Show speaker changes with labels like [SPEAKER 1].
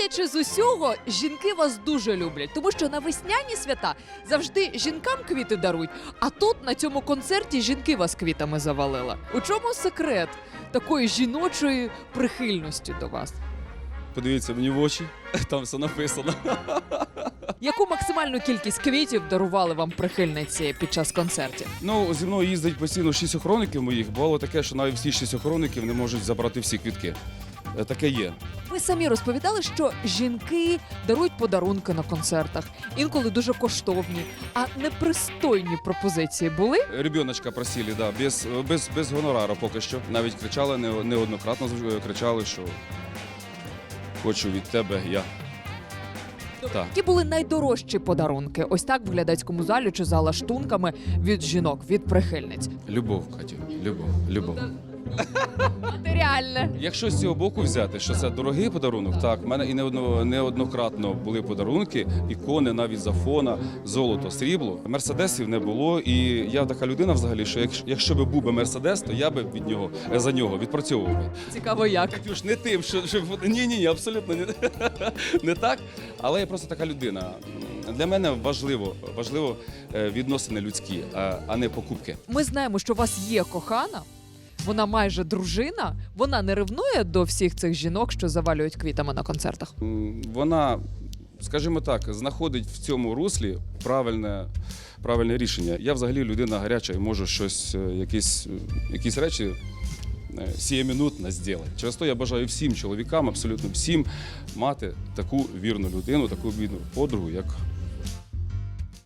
[SPEAKER 1] Судячи з усього, жінки вас дуже люблять, тому що на весняні свята завжди жінкам квіти дарують, а тут на цьому концерті жінки вас квітами завалили. У чому секрет такої жіночої прихильності до вас?
[SPEAKER 2] Подивіться мені в очі, там все написано.
[SPEAKER 1] Яку максимальну кількість квітів дарували вам прихильниці під час концертів?
[SPEAKER 2] Ну, зі мною їздить постійно 6 охоронників моїх. Бувало таке, що навіть всі 6 охоронників не можуть забрати всі квітки. Таке є.
[SPEAKER 1] Ви самі розповідали, що жінки дарують подарунки на концертах, інколи дуже коштовні, а непристойні пропозиції були?
[SPEAKER 2] Ребеночка просили, да, без гонорару поки що. Навіть кричали, неоднократно кричали, що хочу від тебе я. Так.
[SPEAKER 1] Які були найдорожчі подарунки? Ось так в глядацькому залі чи за лаштунками від жінок, від прихильниць.
[SPEAKER 2] Любов, Катю, любов.
[SPEAKER 1] Матеріальне.
[SPEAKER 2] Якщо з цього боку взяти, що це дорогий подарунок, так, в мене і неоднократно були подарунки, ікони навіть з Афона, золото, срібло. Мерседесів не було, і я така людина взагалі, що якщо б був би Мерседес, то я би за нього відпрацьовував би.
[SPEAKER 1] Цікаво як.
[SPEAKER 2] Катюш, не тим, що ні, абсолютно не так, але я просто така людина. Для мене важливо відносини людські, а не покупки.
[SPEAKER 1] Ми знаємо, що у вас є кохана, вона майже дружина, вона не ревнує до всіх цих жінок, що завалюють квітами на концертах?
[SPEAKER 2] Вона, скажімо так, знаходить в цьому руслі правильне рішення. Я взагалі людина гаряча і можу якісь речі сіємінутно зробити. Через то я бажаю всім чоловікам, абсолютно всім, мати таку вірну людину, таку вірну подругу, як